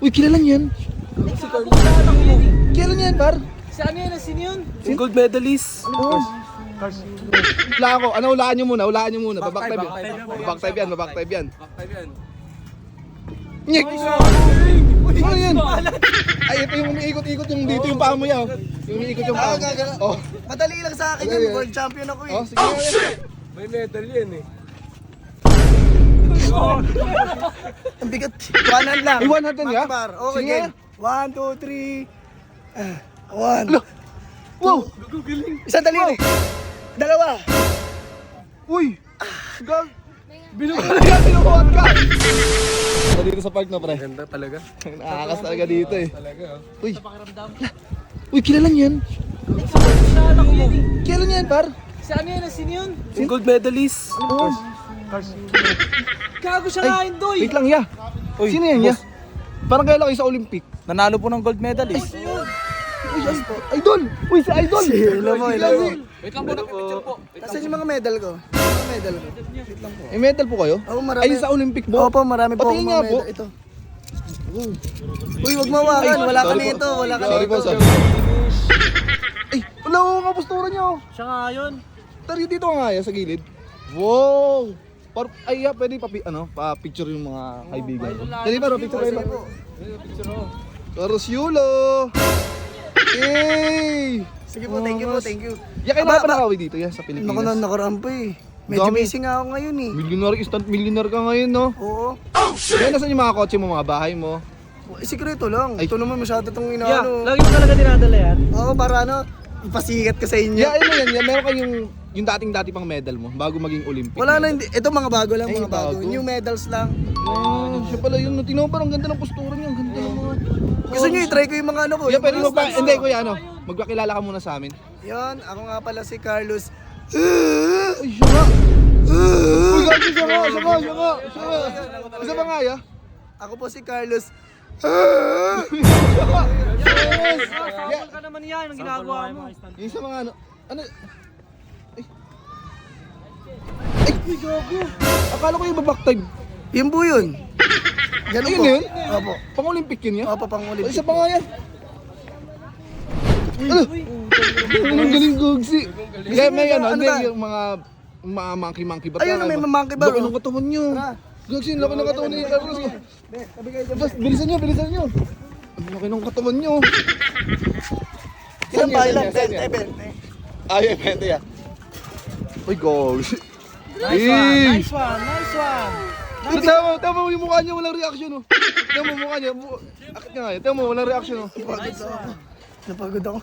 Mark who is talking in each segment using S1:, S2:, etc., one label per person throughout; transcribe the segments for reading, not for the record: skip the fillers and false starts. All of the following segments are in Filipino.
S1: Uy, kilala niyo yan?
S2: Si Carlos.
S1: Kilala niyo yan, par?
S2: Si ano yan? Sino yun?
S3: Yung gold medalist.
S1: Oo. Wala ako. Ano, hulaan niyo muna. Back time yan. Back time yan. Nyek! Ano yan? Ay, ito yung umiikot-ikot yung dito yung paa mo yan. Yung umiikot yung paa mo. Oh.
S4: Madali lang sa akin yun, world champion ako eh.
S1: Oh, sige nga.
S3: May medal yan eh.
S4: Ang bigat. 100 lang.
S1: Ay, 100 nga?
S4: Makbar. Okay,
S1: Sige
S4: game. 1, 2, 3. 1.
S1: Wow!
S4: Isang daliri. Dalawa.
S1: Uy! Gag! Binubuhat ka! Dito sa park na, pre.
S3: Ganda talaga.
S1: Nakakakas talaga dito eh.
S3: Talaga oh.
S1: Uy! Uy, kilala niyo yan? Kilala niyo yan, par?
S2: Si ano yan? Sino yun?
S3: Yung gold medalist.
S1: Oo.
S2: Gago siya nga yun, Doy.
S1: Wait lang, ya.
S3: Uy,
S1: Sino yan, ya? Parang kaya lang kayo sa Olympic.
S3: Nanalo po ng gold medalist.
S1: Uy, idol! Uy, si idol!
S4: Hello mo, hello mo.
S2: Wait lang po, picture po.
S4: Asan yung mga medal ko? Mga medal ko.
S1: May medal po kayo?
S4: Oo, marami.
S1: Ay, sa Olympic po?
S4: Opo, marami po
S1: Patingin
S4: akong
S1: nga
S4: mga
S1: po.
S4: medal. Ito. Uy, wag mawakan. Wala ka
S1: Sorry po.
S4: nito. Wala ka
S1: Sorry po,
S4: nito.
S1: sorry. Ay, wala ko nga postura niyo.
S2: Siya nga yun.
S1: Tari dito nga ya, sa gilid. Wow! Ay, pwede pa-picture yung mga kaibigan ko. Dali pa, picture kayo ba? Carlos Yulo! Yay!
S4: Sige po, thank you po, thank you.
S1: Ya, kayo na pa nakawin dito ya, sa
S4: Naku,
S1: Pilipinas.
S4: nakaraan pa eh. Medyo
S1: Dami.
S4: busy nga ako ngayon eh.
S1: Instant millionaire ka ngayon, no?
S4: Oo.
S1: Kaya nasan yung mga kotse mo, mga bahay mo?
S4: Sikreto lang.
S1: Ay.
S4: Ito naman masyado itong
S2: Yeah,
S4: inaano.
S2: lagi mo talaga dinadala yan.
S4: Oo, para ano, ipasikat ka sa inyo.
S1: Ya, ano yan, meron kayong yung dating-dati pang medal mo, bago maging Olympic.
S4: Wala na,
S1: medal.
S4: hindi. Ito mga bago lang,
S1: Ay,
S4: mga bago.
S1: bago.
S4: New medals lang.
S1: Siya pala yun. Tingnan mo parang ganda ng postura niya. Ang ganda ng mga...
S4: Gusto nyo i-try ko yung mga ano ko.
S1: Yeah,
S4: yung
S1: pwede
S4: mga
S1: mo pa.
S4: stunts
S1: Hindi,
S4: ko.
S1: kuya, magpakilala ka muna sa amin.
S4: Yan, ako nga pala si Carlos.
S1: Ay, siya nga. Uy, gabi, siya nga. Isa pa nga, ya.
S4: Ako po si Carlos.
S2: Sample ka naman yan, ang ginagawa mo.
S1: Yung isa mga ano? Ay, gago. Akala ko yung back time.
S4: Yun po yun. Ganun
S1: Ayun
S4: po.
S1: yun?
S4: Opo.
S1: Pang-Olympic yun, ya?
S4: Opo, pang
S1: Ay,
S4: Olympic.
S1: isa pa nga yan. Ano? Ang galing gugsi. Kaya may
S4: ano
S1: hindi
S4: ba?
S1: yung mga monkey ba?
S4: Ayun, may monkey bar,
S1: Laki
S4: oh.
S1: ng katawan nyo.
S4: Tara.
S1: Gugsi, laki ng katawan niyo. Bas, bilisan nyo. Ang laki ng katawan nyo.
S4: Ilan ba? Ilan?
S1: Saan yan?
S4: 10.
S1: Ay, pwede ya. Uy, gosh.
S2: Nice one, nice one, nice one.
S1: Tama mo yung mukha niya, walang reaction, oh. Tama mo yung mukha niya. Akit nga eh. Tama mo, walang reaction, oh.
S4: Napagod ako.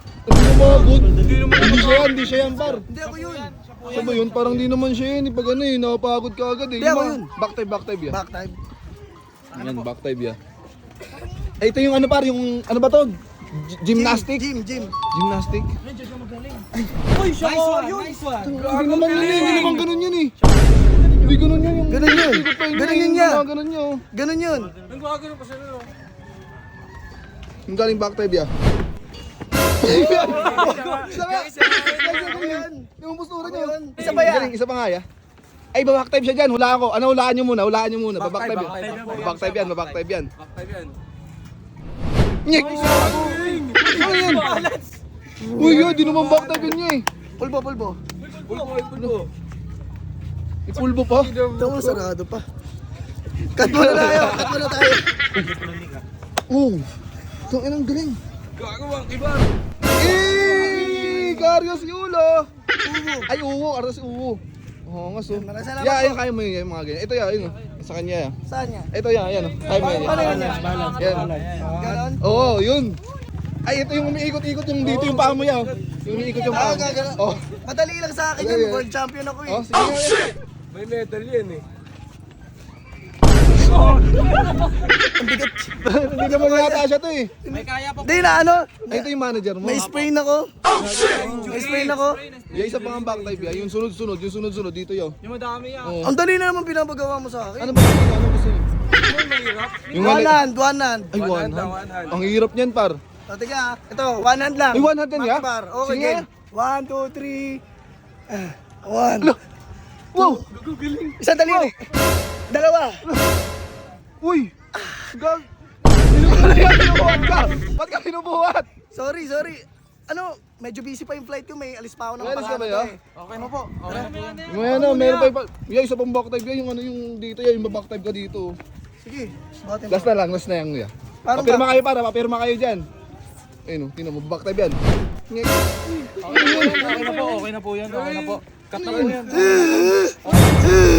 S1: Hindi siya yan, par.
S4: Hindi ako yun.
S1: Siya ba yun? Parang di naman siya yun. Pag ano eh, nakapagod ka agad eh.
S4: Hindi, ako yun.
S1: Back time ya.
S4: Back time.
S1: Yan, back time ya. Eh, ito yung ano par, yung ano ba to? Gymnastic?
S4: Gym.
S1: Gymnastic?
S2: Uy, siya nga yun. Nice one.
S1: Hindi naman yun eh, hindi naman ganun yun eh. Hindi ganun yun yung...
S4: Ganun yun.
S1: ikot pa
S4: Ganun yun
S1: yung
S4: niya.
S1: mga Ganun yun.
S4: Ganun yun.
S2: Ang gagawin pa sa'yo.
S1: Yung galing back time ya. Isa nga! Yung postura niya.
S4: Isa pa yan.
S1: Galing, isa pa nga ya. Ay, back time siya dyan. Hulaan ko. Ano, hulaan nyo muna. Back time yan. Back time yan. Nyek! Ano yan? Uy, yun. Di naman back time yun niya eh.
S4: Pulbo.
S1: Ipulbo pa.
S4: Ito mo, sarado pa. Cut mo na tayo.
S1: Oh. Ito, ang galing.
S3: Gagawang iba.
S1: Carlos Yulo! Ay, uwo. Carlos Uwo. Oo nga, so.
S4: Salamat
S1: Yeah,
S4: po.
S1: ayun, kaya mo yun, yung mga ganyan. Ito, yun. Sa kanya, yan.
S4: Saan niya?
S1: Ito, yan. Kaya mo yun.
S4: Paano yun?
S1: Yan.
S4: Ganon?
S1: Oo, yun. Ay, ito yung umiikot-ikot yung dito yung paa mo yan. Yung umiikot yung paa mo.
S4: Gano'n.
S1: Oh.
S4: Madali lang sa akin yun. World champion ako eh.
S1: Oh, sige nga yan.
S3: May medal yan eh.
S1: Hindi naman yata siya to eh.
S2: May kaya pa.
S4: Hindi na ano.
S1: Ay, ito yung manager mo.
S4: May sprain ako.
S1: Yung isa pang back type yan. Yung sunod-sunod dito yun.
S2: Yung madami yan.
S1: Oo.
S4: Ang dali na naman pinapagawa mo sa
S1: Ano
S4: akin.
S1: ba gusto niyo? Ano gusto niyo? Yung
S4: One
S1: one
S4: hand.
S1: Ay, one hand. Ang hirap niyan, par.
S4: O, tiga. Ito, one hand lang.
S1: Ay, one hand yan, ya?
S4: Makbar. Okay,
S1: Sige.
S4: game. 1, 2, 3. 1.
S1: Wow!
S4: Isang daliri. Dalawa.
S1: Uy! Gag! Binubuhat ka! Ba't ka binubuhat?
S4: Sorry. Ano, medyo busy pa yung flight ko. May alis pa ako ng
S1: May alis ka ba
S4: Pagano
S1: yun?
S4: eh.
S3: Okay na po. Okay na po yan.
S1: Meron pa iba. Yung isa pang back dive yan, yung ano yung dito yan, yung back dive ka dito.
S4: Sige. Bakit
S1: Last na yan kuya.
S4: Parang
S1: Papirma kayo papirma kayo dyan. Ayun, tingnan mo, back dive yan.
S3: Okay na po. Okay na po yan. Okay na po. Cut na po yan.